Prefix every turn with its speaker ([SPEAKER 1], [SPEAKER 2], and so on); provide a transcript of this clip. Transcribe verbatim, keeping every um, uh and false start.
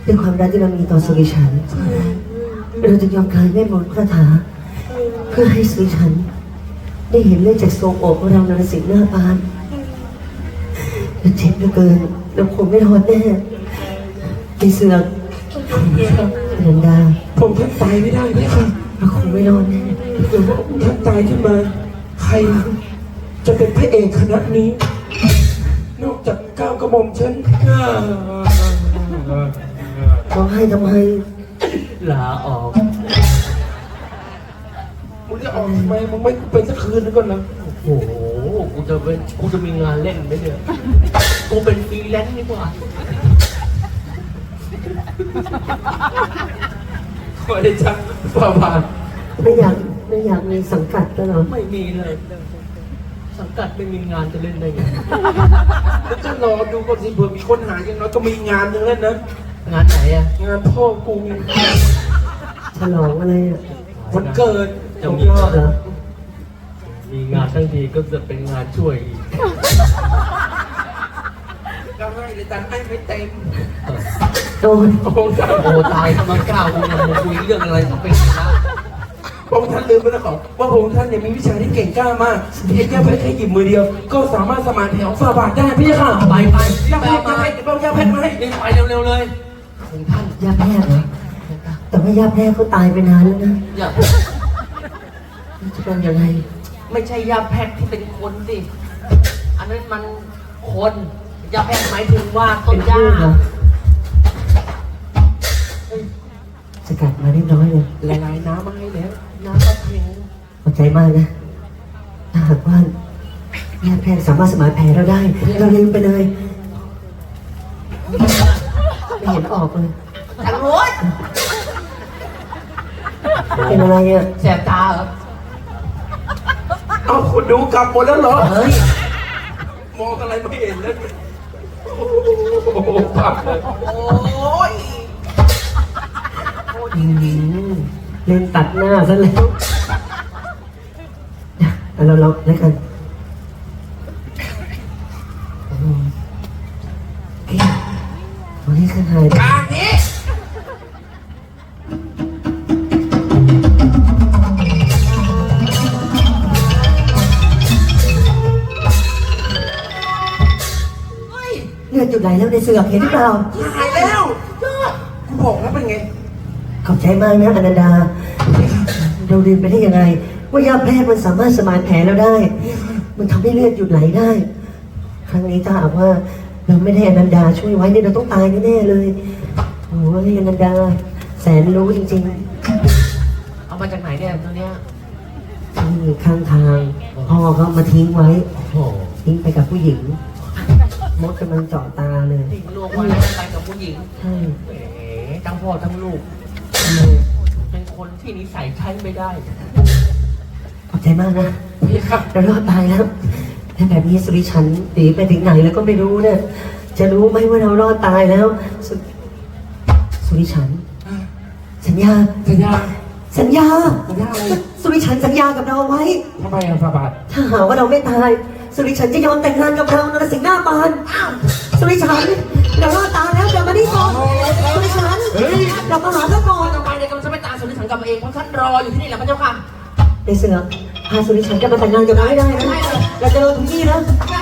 [SPEAKER 1] ด้วยความรักที่เรามีต่อสุริชันเราจะยอมคลายเวทมนต์คาถาเพื่อให้สุริชันได้เห็นเลือดจากทรงอกของเรานรสิงห์หน้าปานเราเจ็บเหลือเกินเราคงไม่รอดแน่ในเสือกเดินดา
[SPEAKER 2] ผมท่านตายไม่ได้ไหมครับ
[SPEAKER 1] เราคงไม่รอดแน่
[SPEAKER 2] เดี๋ยวว่าท่านตายขึ้นมา ใครจะเป็นพระเอกคณะนี้ นอกจากก้าวกระหม่อมฉัน
[SPEAKER 1] ร้องไห้ทำไม
[SPEAKER 3] ลาออก
[SPEAKER 2] มึงจะออกทำไมมึงไม่เป็นสักคืนนึงก่อนนะ
[SPEAKER 3] โอ้โห กูจะเป็นกูจะมีงานเล่นไหมเนี่ย กูเป็นฟรีแลนซ์ดีกว่า
[SPEAKER 2] ขอได้จังฝ่าบาท
[SPEAKER 1] ไม่อยากไม่อยากมีสังกัดแล้วเหรอ
[SPEAKER 3] ไม่มีเลย สังกัดไม่มีงานจะเล่นได้ไง
[SPEAKER 2] แล้วจะรอดูก่อนสิเผื่อมีคนหาอย่างน้อยก็มีงานหนึงเล่นนะ
[SPEAKER 3] งานไหนอะ
[SPEAKER 2] งานพ่อกู
[SPEAKER 1] ฉลองอะไรอ่ะ
[SPEAKER 2] วันเกิด
[SPEAKER 3] จะ
[SPEAKER 1] ของ
[SPEAKER 3] มี
[SPEAKER 1] ยอดเหรอ
[SPEAKER 3] มีงานทั้งทีก็จะเป็นงานช่วยอีก
[SPEAKER 2] ก็ให้เลยแต่ให้ไม่เต็ม
[SPEAKER 1] โดน
[SPEAKER 2] โอ้ท่าน
[SPEAKER 3] โอ้ตายทำไมก้าวกูยังมาคุยเรื่องอะไรก็เป็นนะ
[SPEAKER 2] พระองค์ท่านลืมไปแล้วเหรอว่าพระองค์ท่านเนี่ยมีวิชาที่เก่งกล้ามากเพียงแค่แค่หยิบมือเดียว ก็สามารถสมานแถวฝ่าบาทได้พี่ค่ะ
[SPEAKER 3] ไปไป
[SPEAKER 2] ยา
[SPEAKER 3] ไป
[SPEAKER 2] แพทย์
[SPEAKER 3] เอา
[SPEAKER 2] ยา
[SPEAKER 3] มา
[SPEAKER 2] แพทย์เดี๋ยวเอายาแพทย์มาให้
[SPEAKER 3] รีบไปเร็วๆเลยของท่าน
[SPEAKER 1] ยาแพทย์เหรอแต่ว่ายาแพทย์เขาตายไปนานแล้วนะ
[SPEAKER 3] อย่า
[SPEAKER 1] จะเป็นยังไง
[SPEAKER 3] ไม่ใช่ยาแพทย์ที่เป็นคนสิ อันนั้นมันคนยาแพทย์หมายถึงว่าต้
[SPEAKER 1] เป็น น
[SPEAKER 3] หญ้า
[SPEAKER 1] พืชเหรอสกัดมาเรียบร้อยเลย
[SPEAKER 2] ละลายน้ำมาให้แล้ว
[SPEAKER 3] น้ำกระเพง
[SPEAKER 1] ขอบใจมากนะถ้าหากว่าแพทย์แพทย์สามารถสมานแผลเราได้ เราลืมไปเลย ไม่เห็นออกเลย
[SPEAKER 3] ทางโน้น
[SPEAKER 1] เป็นอะไรอ่ะ
[SPEAKER 3] แสบตาเหรอ
[SPEAKER 2] เอาคนดูกลับหมดแล้วเหรอ
[SPEAKER 3] เฮ้ย
[SPEAKER 2] มองอะไรไม่เห็นแล้วเนี่ยโอ้โหปักเลย
[SPEAKER 3] โอ้ย
[SPEAKER 1] อืมเล่นตัดหน้าซะแล้วเอาเราเราแล้วกันอืมโอเควันนี้คือหาย
[SPEAKER 2] กลางนี้เฮ้ย
[SPEAKER 1] เลือดหยุดไหลแล้วในเสือกเห็นหรือเปล่า
[SPEAKER 2] หายแล้วยอดกูบอกแล้วเป็นไง
[SPEAKER 1] ขอบใจมากนะอนันดา เราลืมไปได้ยังไง ว่ายาแพทย์มันสามารถสมานแผลเราได้ มันทำให้เลือดหยุดไหลได้ ครั้งนี้ถ้าหากว่าเราไม่ได้อนันดาช่วยไว้เนี่ยเราต้องตายแน่ๆเลยโอ้ยอนันดา แสนรู้จริง
[SPEAKER 3] เอามาจากไหนเนี่ยตัวเนี้ย
[SPEAKER 1] ๆที่ข้างทางพ่อเขามาทิ้งไว้
[SPEAKER 3] โอ้โห
[SPEAKER 1] ทิ้งไปกับผู้หญิง มดกำลังเจาะตาเลย
[SPEAKER 3] ทิ้งลูกไว้แล้วไปกับผู้หญิง
[SPEAKER 1] ใช่
[SPEAKER 3] แหมทั้งพ่อทั้งลูก
[SPEAKER 1] ทำไม
[SPEAKER 3] เป็นคนที่นิสัยใช้ไม่ได้
[SPEAKER 1] ขอบใจมากนะ
[SPEAKER 2] พี่ครับ
[SPEAKER 1] เรารอดตายแล้วถ้าแบบนี้สุริชันหนีไปถึงไหนแล้วก็ไม่รู้เนี่ย จะรู้ไหมว่าเรารอดตายแล้วสสุริชัน สัญญา
[SPEAKER 2] สัญญา
[SPEAKER 1] สัญญา
[SPEAKER 2] สัญญาอะไร
[SPEAKER 1] สุริชันสัญญากับเราไว้
[SPEAKER 2] ทำไมอ่ะฝ่าบาท
[SPEAKER 1] ถ้าหากว่าเราไม่ตาย สุริชันจะยอมแต่งงานกับเรานรสิงห์หน้าปานสุริชันเรารอดตายแล้วเดี๋ยวมานี่ก่อนสุริชันเรามาหาเจ้าก่อน
[SPEAKER 3] ต่อไปเนี่ยกำลังจะไปตามสุนิสังกลับมาเองเพราะท่านรออยู่ที่นี่แหละพระเจ้าค่ะ
[SPEAKER 1] ในเสือกพาสุริชันจะมาแต่งงานกับเราให้ได้นะเราจะรอถึงที่นะ
[SPEAKER 3] ได้